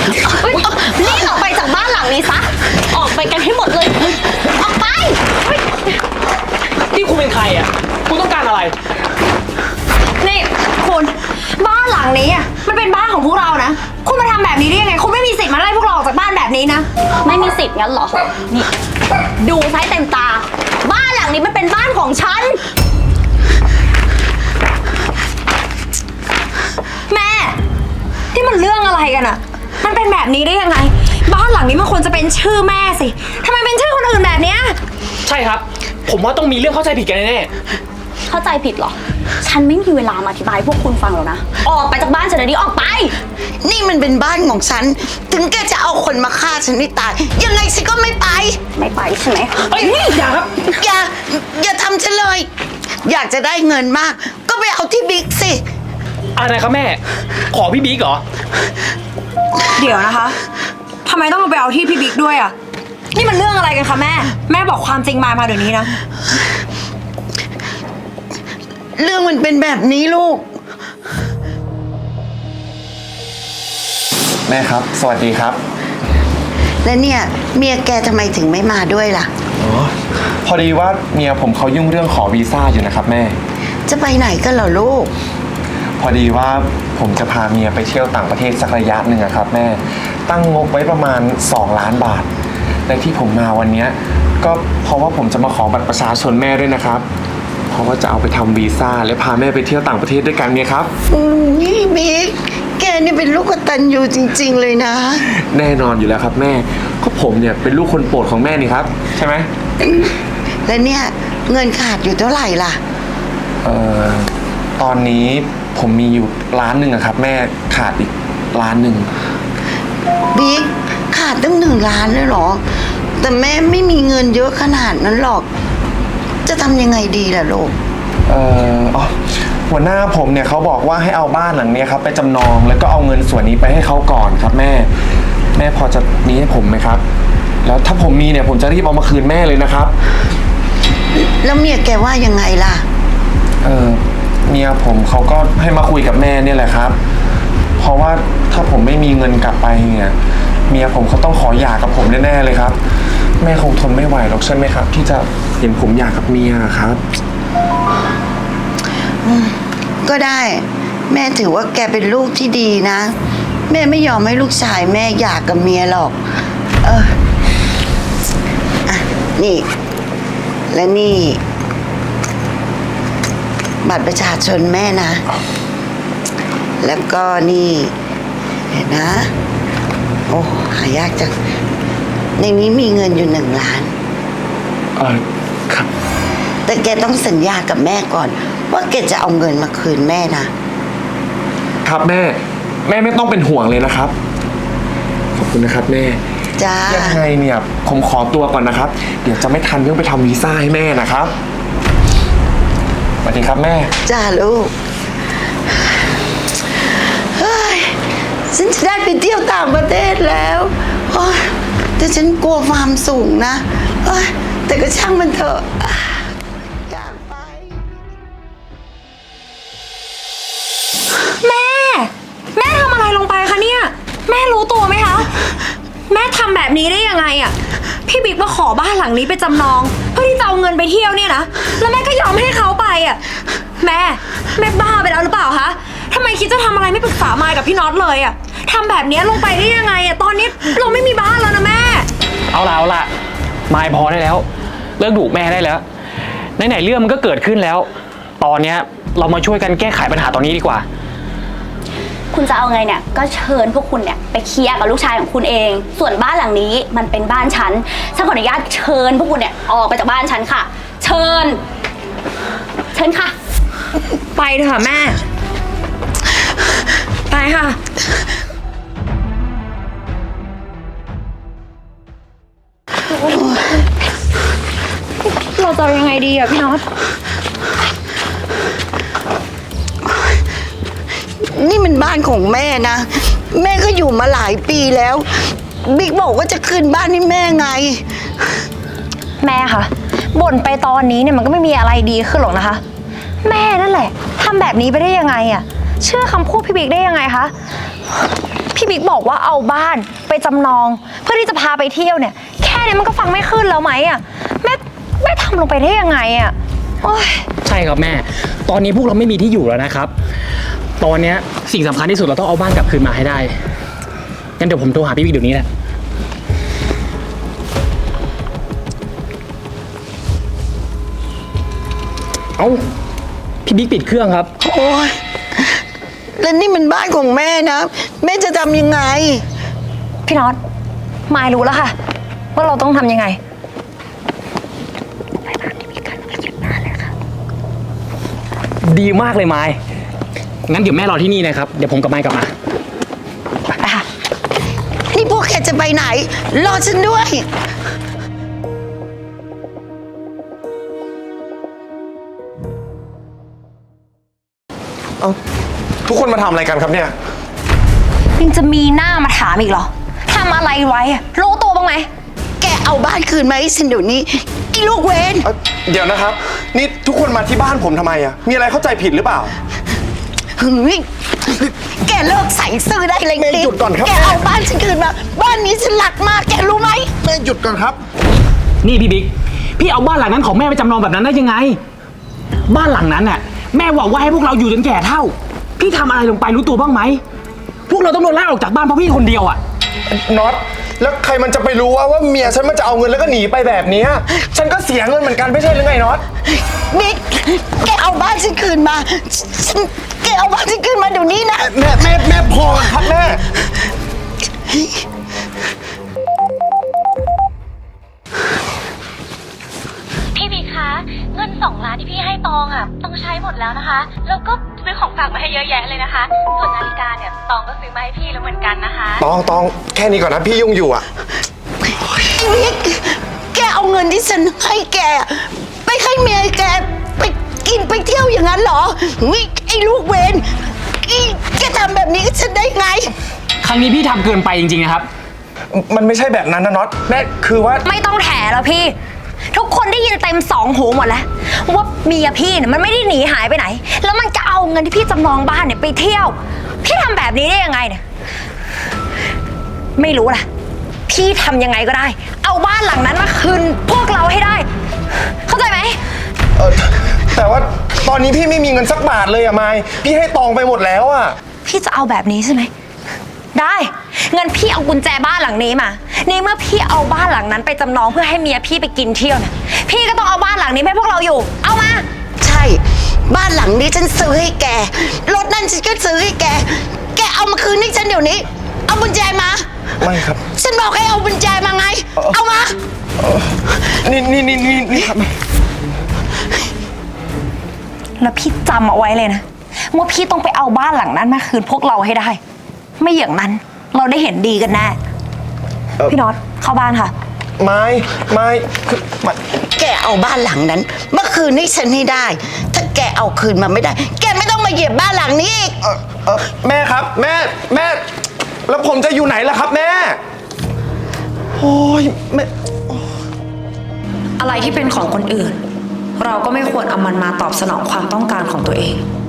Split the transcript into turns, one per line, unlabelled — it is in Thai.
รีบออกไปจากบ้านหลังนี้ซะออกไปกันให้หมดเลยออกไป
นี่คุณเป็นใครอ่ะคุณต้องการอะไร
นี่คุณบ้านหลังนี้อ่ะมันเป็นบ้านของพวกเรานะคุณมาทำแบบนี้ได้ยังไงคุณไม่มีสิทธิ์มาไล่พวกเราออกจากบ้านแบบนี้นะไม่มีสิทธิ์งั้นเหรอนี่ดูใช้เต็มตาบ้านหลังนี้มันเป็นบ้านของฉันแม่ที่มันเรื่องอะไรกันอะมันเป็นแบบนี้ได้ยังไงบ้านหลังนี้มันควรจะเป็นชื่อแม่สิทำไมเป็นชื่อคนอื่นแบบเนี้ย
ใช่ครับผมว่าต้องมีเรื่องเข้าใจผิดกันแน่
เข้าใจผิดเหรอฉันไม่มีเวลามาอธิบายพวกคุณฟังหรอกนะออกไปจากบ้านฉันเดี๋ยวนี้ออกไป
นี่มันเป็นบ้านของฉันถึงแกจะเอาคนมาฆ่าฉันให้ตายยังไงฉันก็ไม่ไป
ใช่ไหม
เฮ้ยอย่าครับ
อย่าทำฉันเลยอยากจะได้เงินมากก็ไปเอาที่บิ๊กสิ
อะไรครับแม่ขอพี่บิ๊กเหรอ
เดี๋ยวนะคะทำไมต้องไปเอาที่พี่บิ๊กด้วยอ่ะนี่มันเรื่องอะไรกันคะแม่บอกความจริงมาเดี๋ยวนี้นะ
เรื่องมันเป็นแบบนี้ลูก
แม่ครับสวัสดีครับ
แล้วเนี่ยเมียแกทำไมถึงไม่มาด้วยล่ะ
อ๋อพอดีว่าเมียผมเขายุ่งเรื่องขอวีซ่าอยู่นะครับแม่
จะไปไหนกันเหรอลูก
พอดีว่าผมจะพาเมียไปเที่ยวต่างประเทศสักระยะหนึ่งครับแม่ตั้งงบไว้ประมาณ2 ล้านบาทและที่ผมมาวันนี้ก็เพราะว่าผมจะมาขอบัตรประชาชนแม่ด้วยนะครับเพราะว่าจะเอาไปทำวีซ่าและพาแม่ไปเที่ยวต่างประเทศด้วยกันเนี่ยครับ
นี่บิ๊กแกนี่เป็นลูกกตัญญูจริงๆเลยนะ
แน่นอนอยู่แล้วครับแม่ก็ผมเนี่ยเป็นลูกคนโปรดของแม่นี่ครับใช่ไหม
และเนี่ยเงินขาดอยู่เท่าไหร่ล่ะ
ตอนนี้ผมมีอยู่1 ล้านครับแม่ขาดอีก1 ล้าน
บิ๊กขาดตั้ง1 ล้านเลยเหรอแต่แม่ไม่มีเงินเยอะขนาดนั้นหรอกจะทำยังไงดีล่ะลูก
หัวหน้าผมเนี่ยเขาบอกว่าให้เอาบ้านหลังนี้ครับไปจำนองแล้วก็เอาเงินส่วนนี้ไปให้เขาก่อนครับแม่พอจะมีให้ผมไหมครับแล้วถ้าผมมีเนี่ยผมจะรีบเอามาคืนแม่เลยนะครับ
แล้วเมียแกว่ายังไงล่ะ
เมียผมเขาก็ให้มาคุยกับแม่เนี่ยแหละครับเพราะว่าถ้าผมไม่มีเงินกลับไปเนี่ยเมียผมเขาต้องขอหย่ากับผมแน่ๆเลยครับแม่คงทนไม่ไหวหรอกใช่ไหมครับที่จะเห็นผมหย่ากับเมียครับ
ก็ได้แม่ถือว่าแกเป็นลูกที่ดีนะแม่ไม่ยอมให้ลูกชายแม่หย่ากับเมียหรอกนี่และนี่บัตรประชาชนแม่นะแล้วก็นี่เห็นนะโอ้หายากจังในนี้มีเงินอยู่1 ล้าน
ครับ
แต่แกต้องสัญญากับแม่ก่อนว่าแกจะเอาเงินมาคืนแม่นะครับ
แม่ไม่ต้องเป็นห่วงเลยนะครับขอบคุณนะครับแม่
จ้า
ยังไงเนี่ยผมขอตัวก่อนนะครับเดี๋ยวจะไม่ทันเรื่องไปทำวีซ่าให้แม่นะครับสวัสดีครับแม่
จ้าลูกเฮ้ยฉันจะได้ไปเที่ยวต่างประเทศแล้วแต่ฉันกลัวความสูงนะแต่ก็ช่างมันเถอะอยากไป
แม่ทำอะไรลงไปคะเนี่ยแม่รู้ตัวไหมคะแม่ทำแบบนี้ได้ยังไงอ่ะพี่บิ๊กมาขอบ้านหลังนี้ไปจำนองเพื่อที่จะเอาเงินไปเที่ยวเนี่ยนะแล้วแม่ก็ยอมให้เขาไปอ่ะแม่บ้าไปแล้วหรือเปล่าคะทำไมคิดจะทำอะไรไม่ปรึกษามายกับพี่น็อตเลยอ่ะทำแบบนี้ลงไปได้ยังไงอ่ะตอนนี้เราไม่มีบ้านแล้วนะแม่
เอาละมายพอได้แล้วเลิกดุแม่ได้แล้วไหนเรื่องมันก็เกิดขึ้นแล้วตอนเนี้ยเรามาช่วยกันแก้ไขปัญหาตอนนี้ดีกว่า
คุณจะเอาไงเนี่ยก็เชิญพวกคุณเนี่ยไปเคลียร์กับลูกชายของคุณเองส่วนบ้านหลังนี้มันเป็นบ้านฉันขออนุญาตเชิญพวกคุณเนี่ยออกไปจากบ้านฉันค่ะเชิญค่ะไปเถอะแม่ไปค่ะเราจะยังไงดีอ่ะพี่น็อต
นี่มันบ้านของแม่นะแม่ก็อยู่มาหลายปีแล้วบิ๊กบอกว่าจะคืนบ้านให้แม่ไง
แม่คะบ่นไปตอนนี้เนี่ยมันก็ไม่มีอะไรดีขึ้นหรอกนะคะแม่นั่นแหละทำแบบนี้ไปได้ยังไงอ่ะเชื่อคำพูดพี่บิ๊กได้ยังไงคะพี่บิ๊กบอกว่าเอาบ้านไปจำนอง เพื่อที่จะพาไปเที่ยวเนี่ย แค่นี้มันก็ฟังไม่ขึ้นแล้วไหมอะแม่ทำลงไปได้ยังไงอะโอ๊ย
ใช่ครับแม่ ตอนนี้พวกเราไม่มีที่อยู่แล้วนะครับ ตอนเนี้ยสิ่งสำคัญที่สุดเราต้องเอาบ้านกลับคืนมาให้ได้ งั้นเดี๋ยวผมโทรหาพี่บิ๊กเดี๋ยวนี้แหละ เอ้า พี่บิ๊กปิดเครื่องครับ
โอ้ยแล้วนี่มันบ้านของแม่นะ แม่จะทำยังไง
พี่น็อตมายรู้แล้วค่ะ ว่าเราต้องทำยังไง
ดีมากเลยไม้งั้นเดี๋ยวแม่รอที่นี่นะครับ เดี๋ยวผมกับไม้กลับมา
ไปค่ะ
นี่พวกแกจะไปไหน รอฉันด้วย
เอาทุกคนมาทำอะไรกันครับเนี่ย
ยังจะมีหน้ามาถามอีกเหรอ ทำอะไรไว้อะรู้ตัวบ้างไหม
แกเอาบ้านคืนมาให้ฉันเดี๋ยวนี้ไอ้ลูกเวน
เดี๋ยวนะครับ นี่ทุกคนมาที่บ้านผมทำไมอะมีอะไรเข้าใจผิดหรือเปล่า
เฮ้ยแกเลิกใส่ซื่อได้เลย
แม่หยุดก่อนครับ
แกเอาบ้านฉันคืนมา บ้านนี้ฉันหลักมาก แกรู้ไหม
แม่หยุดก่อนครับ
นี่พี่บิ๊ก พี่เอาบ้านหลังนั้นของแม่ไปจำนองแบบนั้นได้ยังไง บ้านหลังนั้นน่ะ แม่หวังว่าให้พวกเราอยู่จนแก่เฒ่า พี่ทำอะไรลงไปรู้ตัวบ้างไหม พวกเราต้องโดนไล่ออกจากบ้านเพราะพี่คนเดียวอ่ะ
น็อต แล้วใครมันจะไปรู้ว่าเมียฉันมันจะเอาเงินแล้วก็หนีไปแบบเนี้ยฉันก็เสียเงินเหมือนกันไม่ใช่หรือไงน็อต
บิ๊ก แกเอาบ้านฉันคืนมาฉันแกเอาบ้านฉันคืนมาเดี๋ยวนี้นะ
แม่พอครับแม่
พี่บิ๊กคะเงิน2 ล้านที่พี่ให้ตองอ่ะต้องใช้หมดแล้วนะคะ แล้วก็ซื้อของฝากมาให้เยอะแยะเลยนะคะ ส่วนนาฬิกาเนี่ยตองก็ซื้อมาให้พี่แล้วเหมือนกันนะคะ
ตองแค่นี้ก่อนนะพี่ยุ่งอยู่อะ
บิ๊ก แกเอาเงินที่ฉันให้แก ไปให้เมียแกไปกินไปเที่ยวอย่างนั้นเหรอวิไอ้ลูกเวนแกทำแบบนี้กับฉันได้ไง
ครั้งนี้พี่ทำเกินไปจริงๆนะครับ
มันไม่ใช่แบบนั้นนะน็อตแม่คือว่า
ไม่ต้องแถแล้วพี่ ทุกคนได้ยินเต็ม2 หูหมดแล้ว ว่าเมียพี่เนี่ยมันไม่ได้หนีหายไปไหน แล้วมันจะเอาเงินที่พี่จำนองบ้านเนี่ยไปเที่ยว พี่ทำแบบนี้ได้ยังไงเนี่ย ไม่รู้ล่ะ พี่ทำยังไงก็ได้ เอาบ้านหลังนั้นมาคืนพวกเราให้ได้ เข้าใจไหม
แต่ว่าตอนนี้พี่ไม่มีเงินสักบาทเลยอะไมายพี่ให้ตองไปหมดแล้วอะ
พี่จะเอาแบบนี้ใช่ไหม ได้เงินพี่เอากุญแจบ้านหลังนี้มาในเมื่อพี่เอาบ้านหลังนั้นไปจำนองเพื่อให้เมียพี่ไปกินเที่ยวเนี่ยพี่ก็ต้องเอาบ้านหลังนี้ให้พวกเราอยู่ เอามา
ใช่ บ้านหลังนี้ฉันซื้อให้แก รถนั่นฉันก็ซื้อให้แก แกเอามาคืนให้ฉันเดี๋ยวนี้ เอากุญแจมา
ไม่ครับ
ฉันบอกให้เอากุญแจมาไง เอามา
นี่ครับ
แล้วพี่จำเอาไว้เลยนะว่าพี่ต้องไปเอาบ้านหลังนั้นมาคืนพวกเราให้ได้ ไม่อย่างนั้นเราได้เห็นดีกันแน่พี่น็อตเข้าบ้านค่ะ
ไม่คือไม่
แกเอาบ้านหลังนั้นเมื่อคืนนี้ฉันให้ได้ ถ้าแกเอาคืนมาไม่ได้ แกไม่ต้องมาเหยียบบ้านหลังนี้อีก
แม่ครับแม่ แล้วผมจะอยู่ไหนล่ะครับแม่ โอ้ยแม่
อะไรที่เป็นของคนอื่น เราก็ไม่ควรเอามันมาตอบสนองความต้องการของตัวเอง